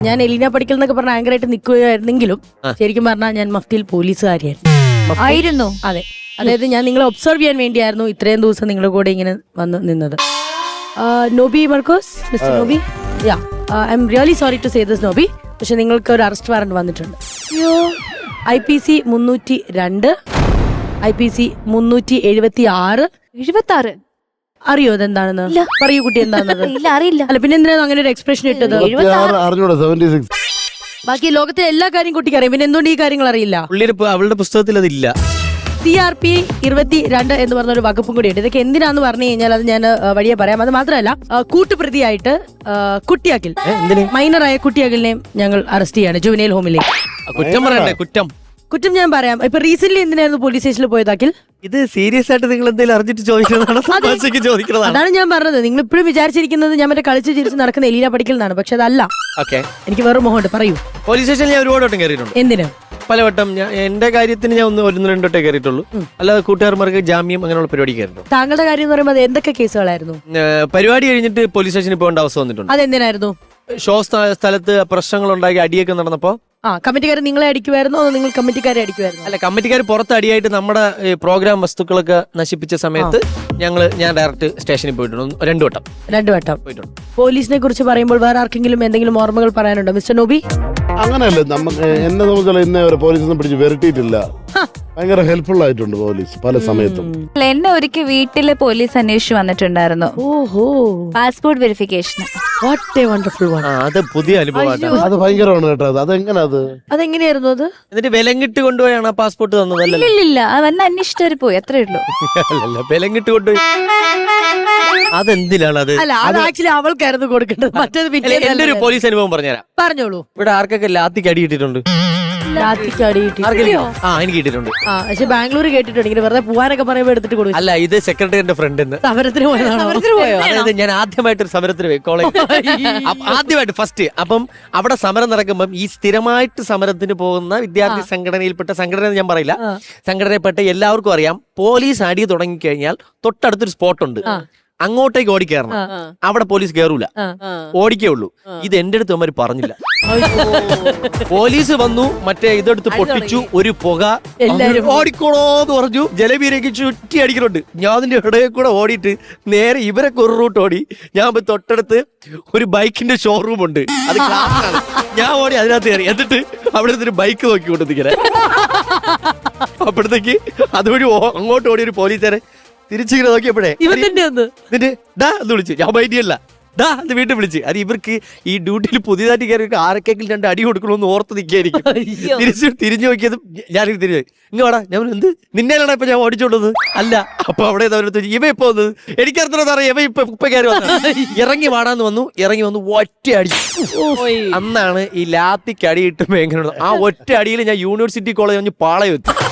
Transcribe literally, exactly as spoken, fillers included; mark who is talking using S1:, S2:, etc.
S1: ഞാൻ എലീന പഠിക്കൽ എന്നൊക്കെ പറഞ്ഞ ആങ്കറായിട്ട് നിൽക്കുകയായിരുന്നെങ്കിലും ശരിക്കും പറഞ്ഞാൽ ഞാൻ മഫ്തിയിൽ പോലീസുകാരിയായിരുന്നു.
S2: ആയിരുന്നു?
S1: അതെ, അതായത് ഞാൻ നിങ്ങളെ ഒബ്സർവ് ചെയ്യാൻ വേണ്ടിയായിരുന്നു ഇത്രയും ദിവസം നിങ്ങളുടെ കൂടെ ഇങ്ങനെ വന്ന് നിന്നത്. Nobi Markose, mister Nobi, yeah I am really sorry to say this Nobi, പക്ഷെ നിങ്ങൾക്ക് ഒരു അറസ്റ്റ് വാറണ്ട് വന്നിട്ടുണ്ട്. ഐ പി സി മുന്നൂറ്റി രണ്ട്, ഐ പി സി മുന്നൂറ്റി എഴുപത്തി ആറ്.
S2: എഴുപത്തി ആറ്
S1: അറിയോ അതെന്താണെന്ന്? പറയൂ കുട്ടി, എന്താണെന്നത്?
S2: ഇല്ല, അറിയില്ല.
S1: അല്ല പിന്നെ എന്തിനാണ് അങ്ങനെ ഒരു എക്സ്പ്രഷൻ ഇട്ടത്? ബാക്കി ലോകത്തിലെ എല്ലാ കാര്യം കുട്ടിക്ക് അറിയാം, പിന്നെ എന്തുകൊണ്ട് ഈ കാര്യങ്ങൾ അറിയില്ല?
S3: അവളുടെ പുസ്തകത്തിൽ അതില്ല.
S1: സി ആർ പി ഇരുപത്തി രണ്ട് എന്ന് പറഞ്ഞ ഒരു വകുപ്പും കൂടി ഉണ്ട്. ഇതൊക്കെ എന്തിനാന്ന് പറഞ്ഞു കഴിഞ്ഞാൽ അത് ഞാൻ വഴിയെ പറയാം. അത് മാത്രമല്ല, കൂട്ടുപ്രതിയായിട്ട് കുട്ടിയാക്കിൽ, മൈനറായ കുട്ടിയാക്കിലിനെയും ഞങ്ങൾ അറസ്റ്റ് ചെയ്യാണ് ജുവനൈൽ ഹോമിലേക്ക്.
S3: കുറ്റം പറയണ്ടേ? കുറ്റം
S1: കുറ്റം ഞാൻ പറയാം. ഇപ്പൊ റീസെന്റ് എന്തിനായിരുന്നു പോലീസ് സ്റ്റേഷനിൽ പോയതാക്കിൽ?
S3: ഇത് സീരിയസ് ആയിട്ട് നിങ്ങൾ എന്തെങ്കിലും അറിഞ്ഞിട്ട് ചോദിക്കുന്നതാണ്.
S1: അതാണ് ഞാൻ പറഞ്ഞത്. നിങ്ങൾ ഇപ്പോഴും വിചാരിച്ചിരിക്കുന്നത് ഞാൻ മറ്റേ കളിച്ച് ചിരിച്ച് നടക്കുന്ന എലീന പഠിക്കൽ എന്നാണ്, പക്ഷെ അതല്ല. എനിക്ക് വേറെ മുഖമുണ്ട്, പറയൂ.
S3: പോലീസ് സ്റ്റേഷനിൽ ഞാൻ ഒരുപാട് വട്ടം കയറിയിട്ടുണ്ട്.
S1: എന്തിന്?
S3: പലവട്ടം. ഞാൻ എന്റെ കാര്യത്തിന് ഞാൻ ഒന്ന് ഒന്ന് രണ്ടോട്ടേ കയറിയിട്ടുള്ളൂ. അല്ലാതെ കൂട്ടുകാർമാർക്ക് ജാമ്യം അങ്ങനെയുള്ള പരിപാടി കയറിയിട്ടു.
S1: താങ്കളുടെ കാര്യം എന്ന് പറയുമ്പോൾ അത് എന്തൊക്കെ കേസുകളായിരുന്നു?
S3: പരിപാടി കഴിഞ്ഞിട്ട് പോലീസ് സ്റ്റേഷനിൽ പോകേണ്ട അവസ്ഥ വന്നിട്ടുണ്ട്.
S1: അതെന്തിനായിരുന്നു?
S3: ഷോ സ്ഥലത്ത് പ്രശ്നങ്ങൾ ഉണ്ടാക്കി അടിയൊക്കെ നടന്നപ്പോ.
S1: ആ, കമ്മിറ്റിക്കാർ നിങ്ങളെ അടിക്കുമായിരുന്നു അതോ നിങ്ങൾ കമ്മിറ്റിക്കാരെ അടിക്കുമായിരുന്നു?
S3: അല്ല, കമ്മിറ്റിക്കാർ പുറത്ത് അടിയായിട്ട് നമ്മുടെ പ്രോഗ്രാം വസ്തുക്കളൊക്കെ നശിപ്പിച്ച സമയത്ത് ഞങ്ങള് ഞാൻ ഡയറക്റ്റ് സ്റ്റേഷനിൽ പോയിട്ടുണ്ട്. രണ്ടു വട്ടം
S1: രണ്ടു വട്ടം
S3: പോയിട്ടുണ്ട്.
S1: പോലീസിനെ കുറിച്ച് പറയുമ്പോൾ വേറെ ആർക്കെങ്കിലും എന്തെങ്കിലും ഓർമ്മകൾ പറയാനുണ്ടോ മിസ്റ്റർ നോബി?
S4: അങ്ങനെയല്ലേ, നമുക്ക് എന്നെ സംബന്ധിച്ചുള്ള ഇന്നേ വരെ പോലീസൊന്നും പിടിച്ച് വരട്ടിയിട്ടില്ല. ഭയങ്കര ഹെൽപ്ഫുൾ ആയിട്ടുണ്ട് പോലീസ് പല സമയത്തും.
S2: എന്നെ ഒരിക്കൽ വീട്ടില് പോലീസ് അന്വേഷിച്ചു വന്നിട്ടുണ്ടായിരുന്നു.
S1: ഓഹോ,
S2: passport verification.
S1: What a wonderful one.
S3: അത് പുതിയ അനുഭവമാണ്.
S4: അത് ഭയങ്കരമാണ് കേട്ടോ. അതെങ്ങനെ? അത്
S1: അതെങ്ങനെയായിരുന്നു? അത്
S3: എന്നിട്ട് വിലങ്ങിട്ട് കൊണ്ടുപോയാണ് ആ പാസ്പോർട്ട് തന്നത്? അല്ലല്ലോ,
S2: ഇല്ല, അവന്നെ അന്വേഷിച്ചവര് പോയി, അത്രേ ഉള്ളൂ.
S3: അല്ലല്ല, വിലങ്ങിട്ട് കൊണ്ടുപോയി. അതെന്തിനാണ് അത്?
S1: അല്ല, അത് ആക്ച്വലി അവൾക്കായിരുന്നു കൊടുക്കേണ്ടത്. മറ്റേത്
S3: എന്റെ ഒരു പോലീസ് അനുഭവം പറഞ്ഞുതരാം.
S1: പറഞ്ഞോളൂ.
S3: ഇവിടെ ആർക്കൊക്കെ ലാത്തിക്ക് അടി കിട്ടിയിട്ടുണ്ട്?
S1: ലാത്തിക്ക് അടി കിട്ടി?
S3: ആ, എനിക്ക് കിട്ടിയിട്ടുണ്ട്.
S1: ആ, പക്ഷെ ബാംഗ്ലൂർ കേട്ടിട്ടുണ്ട് ഇങ്ങനെ വെറുതെ പോവാനൊക്കെ പറയുമ്പോ എടുത്തിട്ട് കൊടുക്കും.
S3: അല്ല, ഇത് സെക്രട്ടറിയുടെ ഫ്രണ്ട്.
S1: സമരത്തിന് പോയതാണോ?
S3: അതായത് ഞാൻ ആദ്യമായിട്ട് ഒരു സമരത്തിന് പോയി കോളേജ്. ആദ്യമായിട്ട് ഫസ്റ്റ്. അപ്പം അവിടെ സമരം നടക്കുമ്പം ഈ സ്ഥിരമായിട്ട് സമരത്തിന് പോകുന്ന വിദ്യാർത്ഥി സംഘടനയിൽപ്പെട്ട സംഘടന ഞാൻ പറയില്ല, സംഘടനയിൽപ്പെട്ട എല്ലാവർക്കും അറിയാം, പോലീസ് അടി തുടങ്ങിക്കഴിഞ്ഞാൽ തൊട്ടടുത്തൊരു സ്പോട്ട് ഉണ്ട്, അങ്ങോട്ടേക്ക് ഓടിക്കയറണം. അവിടെ പോലീസ് കയറൂല, ഓടിക്കേ ഉള്ളൂ. ഇത് എന്റെ അടുത്ത് അവന്മാര് പറഞ്ഞില്ല. പോലീസ് വന്നു, മറ്റേ ഇതെടുത്ത് പൊട്ടിച്ചു, ഒരു പുക, ഓടിക്കോളോന്ന് പറഞ്ഞു. ജലബീരേക്ക് ചുറ്റി അടിക്കുന്നുണ്ട്. ഞാൻ അതിന്റെ ഇടയിൽ കൂടെ ഓടിയിട്ട് നേരെ ഇവരൊക്കെ ഒരു റൂട്ട് ഓടി. ഞാൻ തൊട്ടടുത്ത് ഒരു ബൈക്കിന്റെ ഷോറൂം ഉണ്ട്, അത് ക്ലാസ്സിലാണ്. ഞാൻ ഓടി അതിനകത്ത് കയറി. എന്നിട്ട് അവിടെ ഒരു ബൈക്ക് നോക്കിക്കൊണ്ടിരിക്കണേ. അപ്പോഴത്തേക്ക് അതുവഴി അങ്ങോട്ട് ഓടി ഒരു പോലീസുകാരെ തിരിച്ചിങ്ങനെ നോക്കിയപ്പോഴേ എന്നിട്ട് ഡാ എന്ന് വിളിച്ചു. ഞാൻ മൈൻഡിയല്ല, ഡാ എന്ന് വീട്ടിൽ വിളിച്ച്. അത് ഇവർക്ക് ഈ ഡ്യൂട്ടിയിൽ പുതിയതായിട്ട് കയറി ആരൊക്കെങ്കിലും രണ്ട് അടി കൊടുക്കണമെന്ന് ഓർത്ത് നിൽക്കായിരിക്കും. തിരിച്ച് തിരിഞ്ഞു നോക്കിയത് ഞാനിങ്ങനെ തിരിഞ്ഞു, ഇങ്ങ് വേടാ. ഞാൻ എന്ത് നിന്നേലാണ് ഇപ്പൊ ഞാൻ ഓടിച്ചോണ്ടത്? അല്ല. അപ്പൊ അവിടെ ഇവ ഇപ്പൊ വന്നത് എനിക്കറിയാം, ഇവ ഇപ്പൊ ഇപ്പൊ കയറി വന്നത്. ഇറങ്ങി വാടാന്ന് വന്നു, ഇറങ്ങി വന്നു, ഒറ്റ അടി. അന്നാണ് ഈ ലാത്തിക്ക് അടി കിട്ടുമ്പോ എങ്ങനെയാണ് ആ ഒറ്റ അടിയിൽ ഞാൻ യൂണിവേഴ്സിറ്റി കോളേജ് പാളയം എത്തി.